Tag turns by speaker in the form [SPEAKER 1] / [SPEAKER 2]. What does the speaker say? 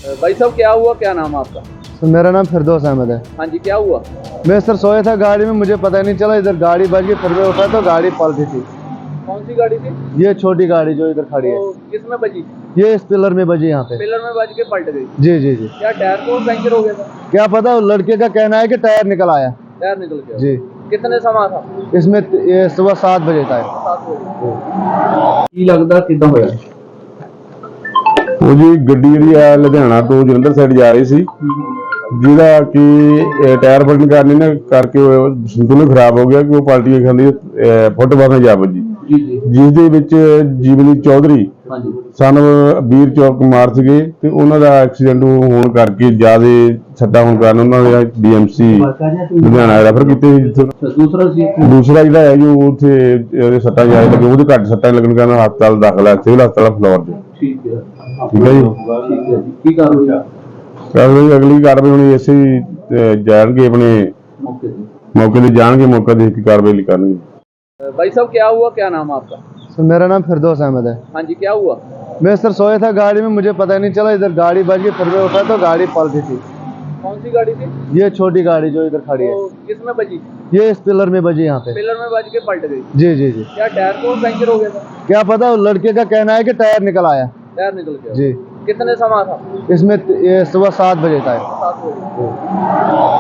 [SPEAKER 1] भाई साहब क्या हुआ, क्या नाम है आपका?
[SPEAKER 2] सर मेरा नाम फिरदौस अहमद है।
[SPEAKER 1] हाँ जी, क्या हुआ?
[SPEAKER 2] मैं सर सोया था गाड़ी में, मुझे पता नहीं चला, इधर गाड़ी बज गई, फिर मैं उठा तो गाड़ी पलटी थी।
[SPEAKER 1] कौन सी गाड़ी थी?
[SPEAKER 2] ये छोटी गाड़ी जो इधर खड़ी है,
[SPEAKER 1] तो किसमें बजी?
[SPEAKER 2] ये इस पिलर में बजी यहाँ पे।
[SPEAKER 1] पिलर में बज के पलट गई?
[SPEAKER 2] जी जी जी।
[SPEAKER 1] क्या टायर को पंचर हो गया था?
[SPEAKER 2] क्या पता, वो लड़के का कहना है कि टायर निकल आया।
[SPEAKER 1] टायर निकल गया?
[SPEAKER 2] जी।
[SPEAKER 1] कितने समय था?
[SPEAKER 2] इसमें ये सुबह 7 बजे था।
[SPEAKER 1] 7 बजे। की लगदा किदां होया?
[SPEAKER 3] ਉਹ ਜੀ ਗੱਡੀ ਜਿਹੜੀ ਆ ਲੁਧਿਆਣਾ ਤੋਂ ਜਲੰਧਰ ਸਾਈਡ ਜਾ ਰਹੀ ਸੀ, ਜਿਹਦਾ ਕਿ ਟਾਇਰ ਫਟਣ ਕਾਰਨ ਨਾ ਕਰਕੇ ਸੰਤੁਲਨ ਖਰਾਬ ਹੋ ਗਿਆ ਕਿ ਉਹ ਪਲਟੀ ਖਾਂਦੀ ਫੁੱਟਪਾਥ ਨਾਲ ਜਾ ਵੱਜੀ,
[SPEAKER 1] जी जी।
[SPEAKER 3] ਜਿਸ ਦੇ ਵਿੱਚ ਜੀਵਨੀ ਚੌਧਰੀ
[SPEAKER 1] हाँ जी।
[SPEAKER 3] ਸਨ ਵੀਰ ਚੌਕ ਕੁਮਾਰ ਸੀਗੇ ਤੇ ਉਹਨਾਂ ਦਾ ਐਕਸੀਡੈਂਟ ਹੋਣ ਕਰਕੇ ਜ਼ਿਆਦਾ ਸੱਟਾਂ ਹੋਣ ਕਾਰਨ ਉਹਨਾਂ ਦੇ ਡੀਐਮਸੀ ਲੁਧਿਆਣਾ ਰੈਫਰ ਕੀਤੇ ਸੀ, ਜਿੱਥੇ ਦੂਸਰਾ ਜਿਹੜਾ ਹੈ ਜੀ ਉਹ ਉੱਥੇ ਉਹਦੇ ਸੱਟਾਂ ਜ਼ਿਆਦਾ ਲੱਗੇ, ਉਹਦੇ ਘੱਟ ਸੱਟਾਂ ਲੱਗਣ ਕਾਰਨ ਹਸਪਤਾਲ ਦਾਖਲ ਹੈ, ਸਿਵਲ ਹਸਪਤਾਲ ਫਲੋਰ 'ਚ।
[SPEAKER 1] ठीक है।
[SPEAKER 3] ਠੀਕ ਹੈ ਜੀ।
[SPEAKER 1] ठीक है जी। की कार्रवाई?
[SPEAKER 3] ਕਾਰਵਾਈ ਅਗਲੀ ਕਾਰਵਾਈ ਹੁਣ ਇਸੇ ਜਾਣਗੇ ਆਪਣੇ
[SPEAKER 1] मौके पे।
[SPEAKER 3] ਮੌਕੇ ਤੇ ਜਾਣਗੇ, ਮੌਕਾ ਦੇਖ ਕੇ ਕਾਰਵਾਈ ਕਰਨਗੇ।
[SPEAKER 1] भाई साहब क्या हुआ, क्या नाम है आपका?
[SPEAKER 2] सर मेरा नाम फिरदौस अहमद है।
[SPEAKER 1] हाँ जी, क्या हुआ?
[SPEAKER 2] मैं सर सोया था गाड़ी में, मुझे पता नहीं चला, इधर गाड़ी बज गई, फिर मैं उठा तो गाड़ी पलटी थी।
[SPEAKER 1] कौन सी गाड़ी थी?
[SPEAKER 2] ये छोटी गाड़ी जो इधर खड़ी है,
[SPEAKER 1] तो किसमें बजी?
[SPEAKER 2] ये इस पिलर में बजी यहाँ पे।
[SPEAKER 1] पिलर में बज के पलट गई?
[SPEAKER 2] जी जी जी।
[SPEAKER 1] क्या टायर को पंचर हो गया था?
[SPEAKER 2] क्या पता, वो लड़के का कहना है कि टायर निकल आया।
[SPEAKER 1] टायर निकल गया?
[SPEAKER 2] जी।
[SPEAKER 1] कितने समय था?
[SPEAKER 2] इसमें ये सुबह 7 बजे था।
[SPEAKER 1] 7 बजे।